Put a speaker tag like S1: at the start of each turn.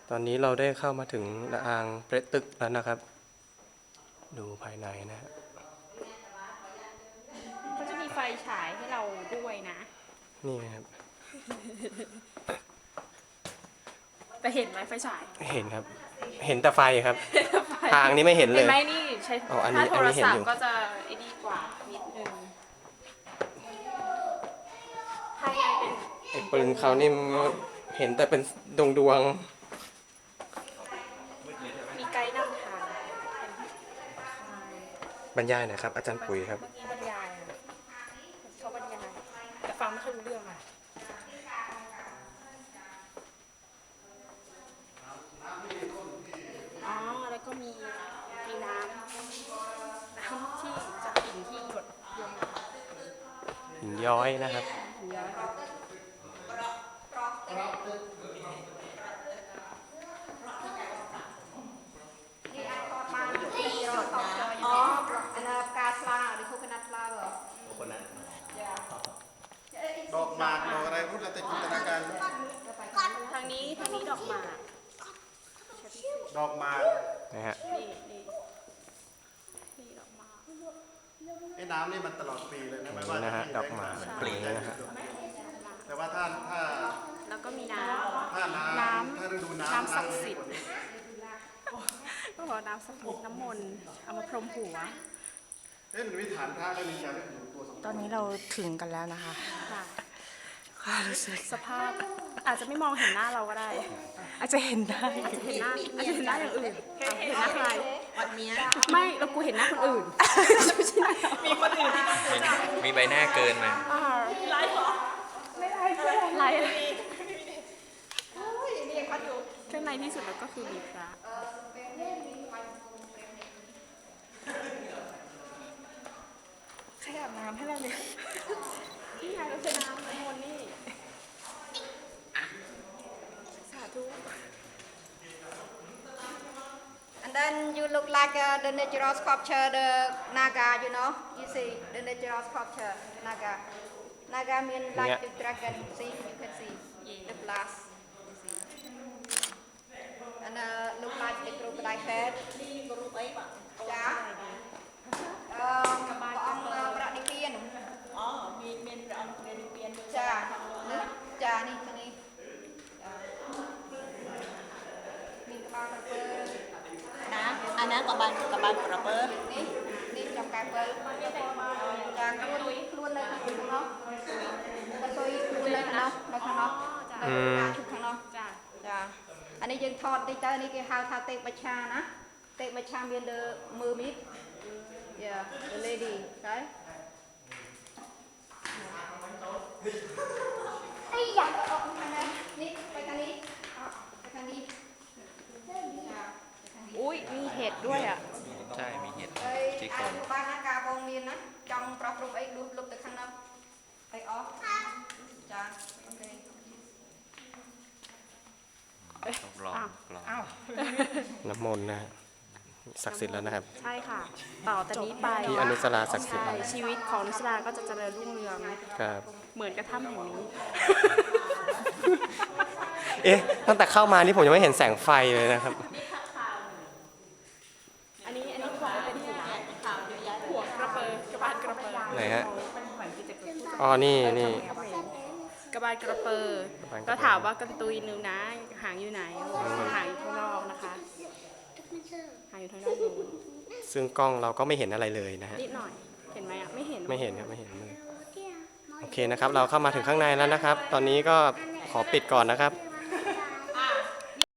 S1: ตอนนี้เราได้เข้ามาถึงระอางเปรตตึกแล้วนะครับดูภายในนะฮะ
S2: เขาจะมีไฟฉายให้เราด้วยนะ
S1: นี่ครับ
S2: แต่เห็นไหมไฟฉาย
S1: เห็นครับเห็นแต่ไฟครับทางนี้ไม่เห็นเลย
S2: เห็นไหมนี่ใช้ถ้าโทรศัพท์ก็จะไอ้ดีกว่านิดนึงภายในเป็น
S1: ไอ้ปืนเขานี่เห็นแต่เป็นดวง
S2: มีไกด์นำทาง
S1: บรรยายหน่อยครับอาจารย์ปุ๋ยครับ
S2: เมื่อกี้บรรยายเขาบรรยายแต่ฟังไม่ค่อยรู้เรื่องอ่ะอ๋อแล้วก็มีน้ำที่จากหินที่หยดลงมา
S1: หินย้อยนะครับ
S2: หินย้อย
S3: อ๋ออันนั้นกาปลาหรือโคโคนัทปลาเหรอโคโคนัท
S4: ดอกหมากดอกอะไรพูดแล้วแต่จินตนาการ
S2: ทางนี้ดอกหมาก
S4: ดอกหมาก
S1: นะฮะ
S2: นี่ดอกหมาก
S4: ไอ้น้ำนี่มันตลอดปีเลยนะไม่ว่า
S1: นะฮะดอกหมากปลีนะฮะ
S4: แต่ว่าถ้า
S2: แล้วก็มีน้
S4: ถ้าฤดูน้ำ
S2: ศักดิ์สิทธิ์ก็บอกน้ำศักดิ์สิทธิ์น้ำมนต์เอามาพรมหัว
S4: มันวิถานพระแล้วมีการอยู่ตัวสอง
S3: ตอนนี้เราถึงกันแล้วนะคะ
S2: ค่ะสภาพอาจจะไม่มองเห็นหน้าเราก็ได้
S3: อาจจะเห็นได้
S2: เห็นหน้าอย่างอื่นเห็นหน้าใคร
S3: วันนี้
S2: ไม่เรากูเห็นหน้าคนอื่นมีคนอื่น
S5: มีใบหน้าเกินมา
S2: ไลฟ์เหรอไม่ไลฟ์ไลฟ์ข้างในที่สุดแล้วก็คือมีพระใครอาบน้ำให้เราเนี่ยนี่ไงเราใช้น้ำมนต์นี่สาธุ
S3: And then you look like the natural sculpture, the Naga, you know. You see the natural sculpture, Naga. Naga means like the dragon. See, you can see the glass. You see. And look like the crocodile head. Yeah. ព្រះអង្គប្រតិពានអូមានព្រះអង្គប្រតិពានចាចានេះនេះមានក្បាលក្រពើណាអាហ្នឹងក៏បានក្រពើនេះចំកែពើចាខ្លួននៅខាងនោះទៅខ្លួននៅខាងនោះនៅខាងនោះខាងនោះចាអានេះយើងថតតិចទៅនេះគេហៅថាទេពបច្ឆាណាទេពបច្ឆាមានលើមើលមីតYeah, the lady, right? Ây da,นี่ไปทางนี้ไปทางนี้
S2: อุ้ยมีเห็ดด้วยอ่ะ
S5: ใช่มีเห็ดที่โค
S3: นบ้านนะกาบงมีนะจังปรับปรุงไอ้ลุกแต่ข้างนอกไอ้ออฟจ้าโอเค
S5: ต้องลอง
S1: น้ำมนต์นะศักดิ์สิทธิ์แล้วนะครับ
S2: ใช่ค่ะต่อจากนี้ไป
S1: ที่อนุสราศักดิ์สิทธิ์
S2: ชีวิตของอนุสราก็จะเจริญรุ่งเรือง
S1: ครับ
S2: เหมือนกระถ้ำแห่งนี้
S1: ตั้งแต่เข้ามานี่ผมยังไม่เห็นแสงไฟเลยนะครับ
S2: อันนี้ขอเป็นหัวกระเปอกระบาลกระเปอ
S1: ไหนฮะอ๋อนี่
S2: กระบาลกระเปอก็ถามว่ากระตุยนึงนะหางอยู่ไหนหางอยู่ข้างนอกนะคะหางอยู่ข้างนอก
S1: ซึ่งกล้องเราก็ไม่เห็นอะไรเลยนะฮะ
S2: นิดหน่อยเห็นไหมอ่ะไม่เห็น
S1: ครับไม่เห็นเลยโอเคนะครับเราเข้ามาถึงข้างในแล้วนะครับตอนนี้ก็ขอปิดก่อนนะครับ